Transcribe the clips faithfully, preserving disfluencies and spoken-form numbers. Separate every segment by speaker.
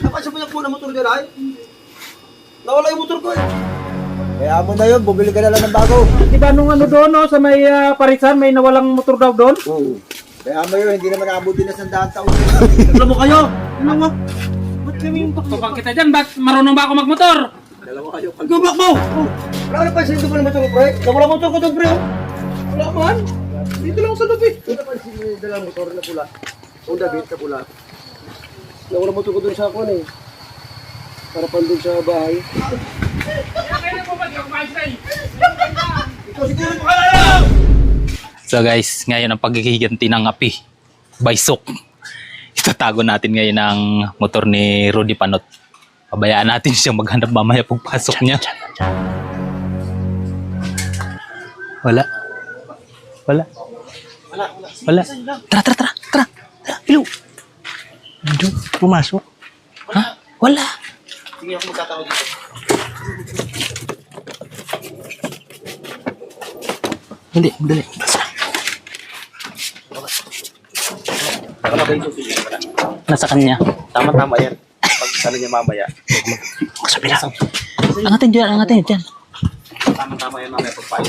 Speaker 1: Napasabayak mo na motor dyan ay. Nawala yung motor ko eh.
Speaker 2: Kaya mo na yun, bumili ka na lang ng bago.
Speaker 3: Di ba nung ano doon, no, sa may uh, parisan, may nawalang motor daw doon?
Speaker 2: Oo. Kaya mo yun, hindi naman naabuti na sa daan taon.
Speaker 1: Alam mo kayo? Ano mo? Ba't kami yung takbo?
Speaker 3: Tupang kita dyan, ba't marunong ba ako magmotor?
Speaker 1: Dalawa kayo. Pag-gubak mo! Oh. Wala na pansin ko pa ng motor ko, pre. Nawala motor ko doon, pre. oh. Wala man. Dito lang sa lobby. Wala pansin mo yung dalang motor na pula. O David na pula. Nawala motor ko doon sa ako eh. Para pan doon sa bahay. Ikaw siguro pakalala!
Speaker 4: So guys, ngayon ang paghihiganti ng api. Baysok. Itatago natin ngayon ang motor ni Rudy Panot. Pabayaan natin siyang maghanap mamaya pagpasok niya. Wala. Wala. Wala. Tara, tara, tara. Tara. Tara. Hello. Andun. Pumasok. Ha? Wala.
Speaker 1: Sige ako magkakaroon dito.
Speaker 4: Hindi, dali. Nasa kanya.
Speaker 1: Tama-tama yan. Pag ano niya mamaya.
Speaker 4: Sa bilang. Angatin dyan, angatin dyan.
Speaker 1: Tama-tama yan mamaya pagpayo.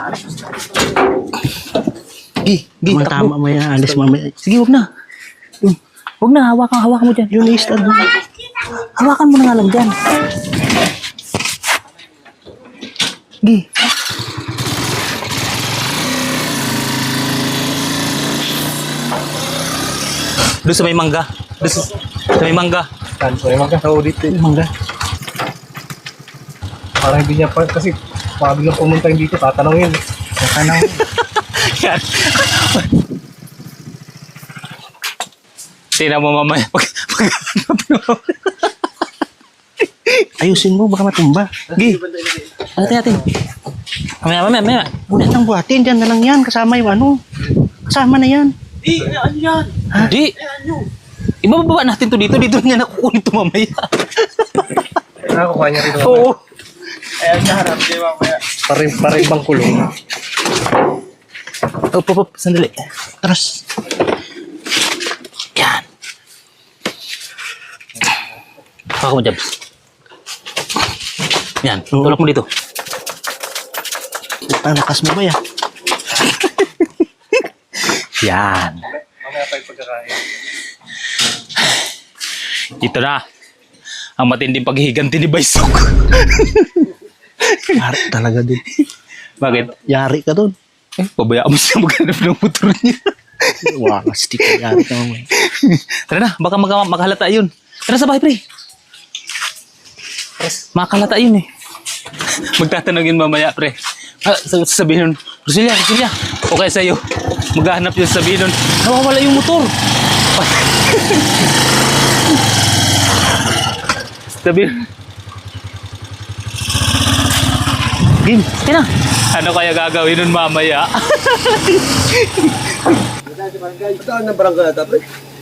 Speaker 4: Gi, gi,
Speaker 2: Tama,
Speaker 4: takbo.
Speaker 2: tama mo yan, alis mamaya.
Speaker 4: Sige, huwag na. Hmm. Huwag na, hawakan, hawakan mo dyan.
Speaker 2: Yun i-start mo.
Speaker 4: Hawakan mo na nga lang dyan. Gi. Doon sa may mangga. Doon sa, sa may mangga.
Speaker 3: Saan ko naman ka sa audit eh.
Speaker 4: Mangga.
Speaker 3: Parang hindi niya pa, kasi pag lang pumunta dito, tatanungin. Tatanungin.
Speaker 4: Yan. Tingnan mo mamaya. Pag, pag,
Speaker 2: Ayusin mo, baka matumba.
Speaker 4: Gi. Ate, ate. Mamaya, mamaya, mamaya.
Speaker 2: Bulat ang buhatin, dyan na lang yan. Kasama yung ano. Kasama na yan.
Speaker 1: Di, ano yan?
Speaker 4: Di. Ibababa natin to dito. Dito niya nakukunin to mamaya.
Speaker 3: Nakakuha niya rito.
Speaker 4: Oo.
Speaker 1: Ayan siya harap. Di mamaya.
Speaker 3: Parin, parin bang kulong.
Speaker 4: Oh, pop, pop. Sandali. Terus. Yan. Ako mo, Jabs. Yan. Tulak mo dito.
Speaker 2: Ang lakas mo ba yan?
Speaker 4: Yan.
Speaker 3: Mamaya pa yung pagkakain.
Speaker 4: Ito na. Ang matinding paghihiganti ni Baysok.
Speaker 2: Yari talaga din.
Speaker 4: Bakit?
Speaker 2: Yari ka dun.
Speaker 4: Eh, pabayaan mo siya maghanap ng motor niya.
Speaker 2: Wakas, di ka yari ka mamaya.
Speaker 4: Tara na, baka mag makahalata yun. Tara sa bahay, pre. Makahalata yun eh. Magtatanong yun mamaya, pre. Ah, sabihin nun, Roselia, Roselia, okay sa'yo. Maghahanap yun, sabihin nun, nawawala yung motor. Sabihin, Game, kaya na. Ano kaya gagawin nun mamaya?
Speaker 1: Saan ng barangay ata, pre?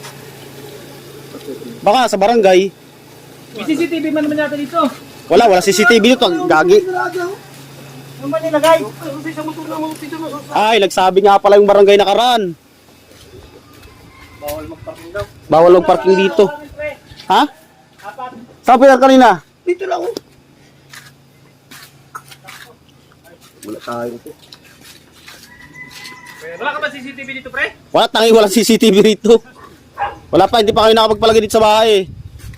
Speaker 2: Baka sa barangay.
Speaker 3: May C C T V man naman yata dito.
Speaker 2: Wala, wala C C T V dito. Ang gagi.
Speaker 3: Ano man nilagay?
Speaker 2: Ay, nagsabi nga pala yung barangay nakaraan.
Speaker 3: Bawal magparking daw.
Speaker 2: Bawal mag-parking dito. Ha? Saan pinag kanina?
Speaker 1: Dito lang ako. Wala tayo ito.
Speaker 3: Wala ka ba C C T V dito, pre?
Speaker 2: Wala, tangi walang C C T V rito. Wala pa, hindi pa kayo nakapagpalagay dito sa bahay.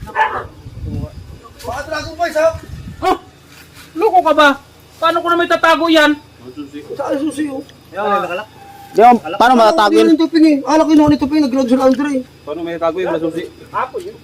Speaker 1: Baka dragon boys ha?
Speaker 3: Oh! Loko ka ba? Paano ko na may tatago yan?
Speaker 1: Saan ang susi oh?
Speaker 3: Yan, nakalak.
Speaker 2: Di ba, paano matatago
Speaker 1: Hindi
Speaker 2: yun?
Speaker 1: yung tuping eh. Alak yun ako ni tuping. Nag-load sa Andre eh.
Speaker 3: Paano may tatago yung susi? Hapon yun.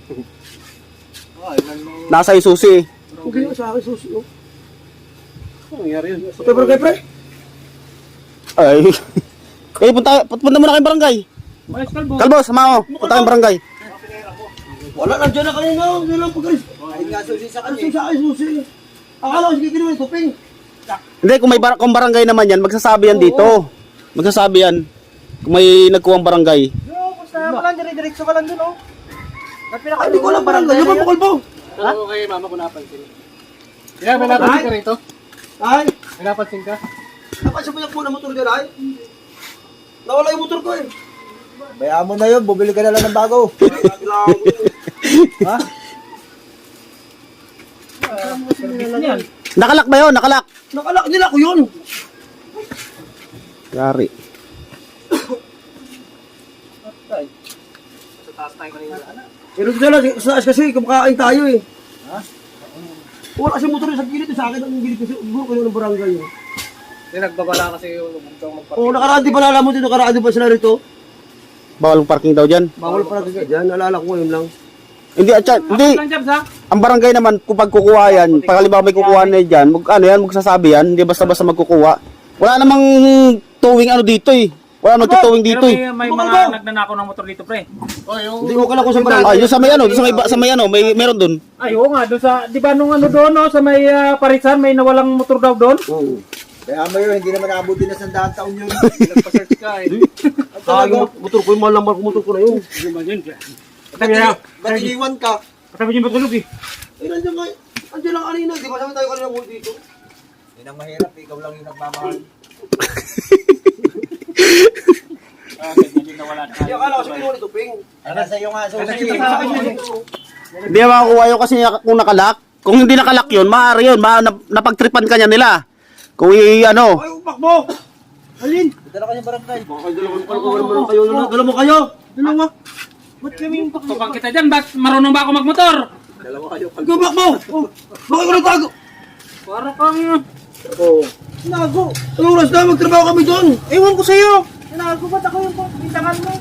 Speaker 2: Nasa isusi.
Speaker 1: Hindi yun sa akin susi oh.
Speaker 3: Ano nangyari yun?
Speaker 1: Patay barangay pre?
Speaker 2: Ay. Kayo, punta, punta muna kayong barangay.
Speaker 3: Mayos kalbo.
Speaker 2: Kalbo, sama ko. Punta kayong barangay.
Speaker 1: Wala lang dyan na kanina. Hindi lang pag-alis. Ay nga susi sa kanya. Sa akin susi. Akala ko sige ginawa yung tuping.
Speaker 2: Hindi, kung may bar kung barangay naman yan, magsasabi yan dito. Magsasabi yan. Kung may nagkuwang barangay.
Speaker 3: Yo, basta mo lang, dire-diretso ka lang dun, oh.
Speaker 1: Ay, hindi ko alam barangay. Yung mga kalbo.
Speaker 3: Ano kay mama ko napansin? Yeah, may napansin ka rito?
Speaker 1: Ay,
Speaker 3: May napansin ka?
Speaker 1: napasabayak mo na motor dyan ay. Nawala yung motor ko eh.
Speaker 2: Bayaan mo na yun, bumili ka na lang ng bago.
Speaker 1: Ha? nilalagay.
Speaker 2: Nakalak ba yun? Nakalak.
Speaker 1: Nakalak nila ko yun.
Speaker 2: Yari.
Speaker 1: Pero dito lang, sa taas kasi, kumakain tayo eh. Ha? Wala kasi motor sa gilid, sa akin ang gilid kasi, siguro kayo ng barangay eh.
Speaker 3: Hindi, nagbabala kasi yung bugtong magparking.
Speaker 1: Oo, nakaraan di ba nalaman mo dito, nakaraan di ba sila rito?
Speaker 2: Bawal ang parking daw dyan.
Speaker 1: Bawal pa natin dyan, naalala ko ngayon lang.
Speaker 2: Hindi, atya, hindi. Ang barangay naman, kung pagkukuha yan, pag halimbawa may kukuha na dyan, mag, ano yan, magsasabi yan, hindi basta-basta magkukuha. Wala namang towing ano dito eh. Wala namang towing dito eh.
Speaker 5: May mga nagnanakaw ng motor dito, pre.
Speaker 1: Hindi ko kala ko sa barangay.
Speaker 2: Ay, yung sa may ano, doon sa may, sa may ano, may meron doon.
Speaker 5: Ay, oo nga, doon sa, di ba nung ano doon, no, sa may ah, Parisan, may nawalang motor daw doon?
Speaker 1: Oo.
Speaker 6: Kaya mo yun, hindi naman naabuti na sandaan taon yun. Nagpa-search ka eh.
Speaker 1: Ah, yung motor ko, yung mahal lang motor ko na yun.
Speaker 5: Sabi na,
Speaker 6: Ba't iniwan ka?
Speaker 5: sabi niyo matulog eh.
Speaker 1: Eh, nandiyan nga, nandiyan lang kanina, di ba sabi tayo kanina mo dito?
Speaker 6: Yan ang mahirap, ikaw lang yung nagmamahal.
Speaker 1: Hindi, akala ko sa kinuha nito, Ping.
Speaker 6: Ano sa'yo nga, susi.
Speaker 2: Hindi na makakuha yun kasi kung nakalak. Kung hindi nakalak yun, maaari yun. Ma, nap- napagtripan ka niya nila. Kung i, ano.
Speaker 1: Ay, upak mo! Alin?
Speaker 6: Dala ka niya barangay.
Speaker 1: Baka dalawa ko naman kayo, dalawa mo kayo! Dalawa! Ba't kami yung upak mo?
Speaker 5: Tupang kita dyan, ba't marunong ba ako magmotor?
Speaker 6: Dalawa kayo.
Speaker 1: Ang upak mo! Oh, bakit ko nagtago?
Speaker 5: Para kang,
Speaker 1: Oo. Nago! Ang oras na, magtrabaho kami doon!
Speaker 5: ewan ko sa'yo. Tinago ba't ako yung pintangan mo?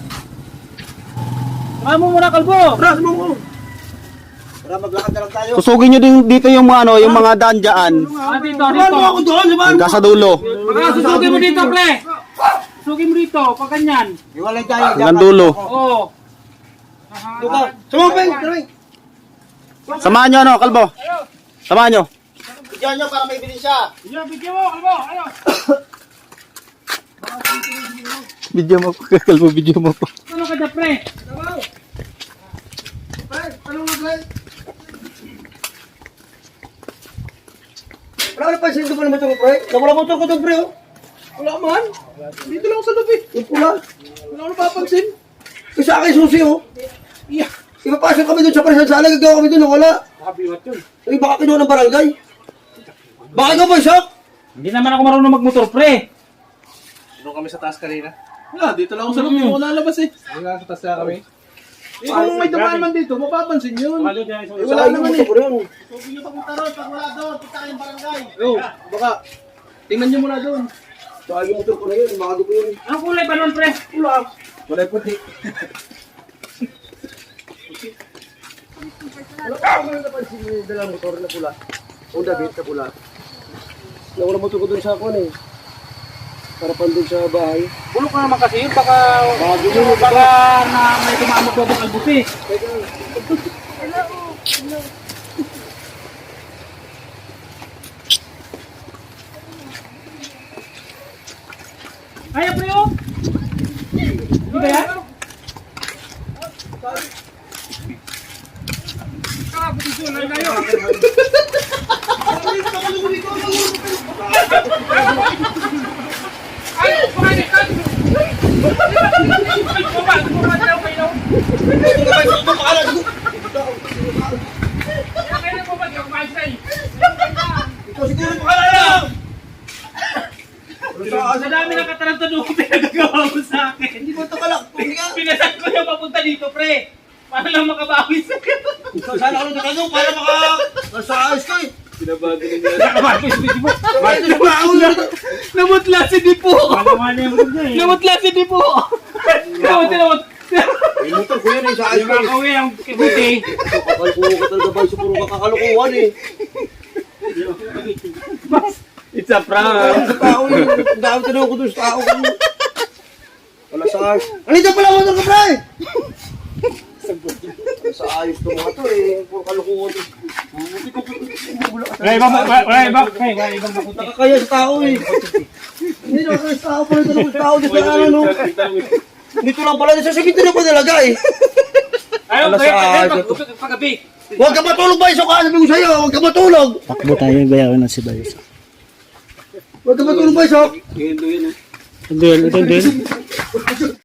Speaker 5: Saka mo muna, kalbo.
Speaker 1: Ras mo mo!
Speaker 6: Para maglakad na lang tayo.
Speaker 2: Susugin nyo din dito yung mga, ano, yung mga daan dyan.
Speaker 5: Ah, dito,
Speaker 1: Samahan
Speaker 5: dito.
Speaker 1: mo ako doon! Samahan mo!
Speaker 2: Hanggang sa dulo.
Speaker 5: Baka susugin mo dito, pre. Susugin mo dito, pag ganyan.
Speaker 6: Iwalay tayo.
Speaker 2: Hanggang dulo.
Speaker 5: Oo.
Speaker 1: Dito! Samahan mo, Ping! Samahan!
Speaker 2: Samahan nyo, ano, kalbo. Samahan nyo.
Speaker 6: Diyan nyo para may bilin siya.
Speaker 5: Video, video mo, kalbo. Ayo.
Speaker 2: Video mo po, kalbo, video mo po.
Speaker 5: Ano ka dyan, pre?
Speaker 1: Ano nga, Ping? Wala na pansin doon pa naman ito, pre. Nawala motor ko doon, pre, oh. Wala man. Dito lang sa loob, eh. Yung pula. Wala ko napapansin. Kasi akin susi, oh. Yeah. Ipapasok kami doon sa Parisan. Sana gagawa kami doon, oh. Wala.
Speaker 5: Nakabiwat yun.
Speaker 1: Eh, baka kinuha ng barangay. Baka ikaw ba, Shok?
Speaker 5: Hindi naman ako marunong magmotor, pre.
Speaker 3: Doon kami sa taas kanina.
Speaker 1: Wala, dito lang ako sa loob. Hindi ko lalabas, eh.
Speaker 3: Hindi nga sa taas na kami.
Speaker 1: Eh, kung may dumaan man dito, mapapansin yun.
Speaker 5: Wala dyan.
Speaker 1: Eh, wala naman, eh.
Speaker 6: Subi nyo pagmutarot. Pag wala doon, punta kayong barangay.
Speaker 1: Oh, baka. Tingnan nyo muna doon. Saka yung motor ko na yun, baka ko yun.
Speaker 5: Ang kulay ba nun, pre?
Speaker 1: Wala. Wala yung puti. Wala pa ako napansin yung dalang motor na pula. Honda Beat na pula. Nawala motor ko doon sa ako eh. Harapan doon sa bahay.
Speaker 5: Bulok na naman kasi yun, baka, baka na may tumamot ko ng albuti. Kaya pre, oh! Hindi ba yan?
Speaker 1: Ikaw siguro pakala!
Speaker 5: Sa dami ng katarantado ko pinagagawa mo sa akin.
Speaker 1: Hindi mo ito kalak. Hindi ka.
Speaker 5: Pinasan ko yung papunta dito, pre. Para lang makabawi sa'yo.
Speaker 1: Sana ka lang nakagaw para maka... Nasa ayos ka eh.
Speaker 5: Nakabawi si Dipo.
Speaker 1: Bakit ito ba ako dito?
Speaker 5: Namutla si Dipo. Namutla si Dipo. Namut, namut.
Speaker 1: May motor ko yan eh. Sa ayos
Speaker 5: Yung
Speaker 1: ka eh.
Speaker 5: kakawin ang kibuti.
Speaker 1: Kakalkuho ka talaga ba? Puro kakakalukuhan eh.
Speaker 5: It's a prank.
Speaker 1: Sa tao eh. Ang dami tinawag ko doon sa tao. Wala sa ayos. Ano dyan pala motor ko, pre? Wala sa ayos to mga to eh. Puro kalukuhan to.
Speaker 5: Wala ibang, wala ibang, wala ibang makuti.
Speaker 1: Nakakaya sa tao eh. Hindi nakakaya sa tao pala ito sa tao. Dito lang ano. Dito lang pala. Sa sakit na pa talaga eh.
Speaker 5: Ayaw,
Speaker 1: Wala sa
Speaker 5: kaya
Speaker 1: ayos to.
Speaker 5: paggabi.
Speaker 1: Huwag ka matulog ba? Iso ka. Sabi ko sa'yo. Huwag ka matulog.
Speaker 2: Takbo tayo, bayawan ng si Bayos.
Speaker 1: Huwag ka matulog ba? Iso.
Speaker 2: Hindi, ito din.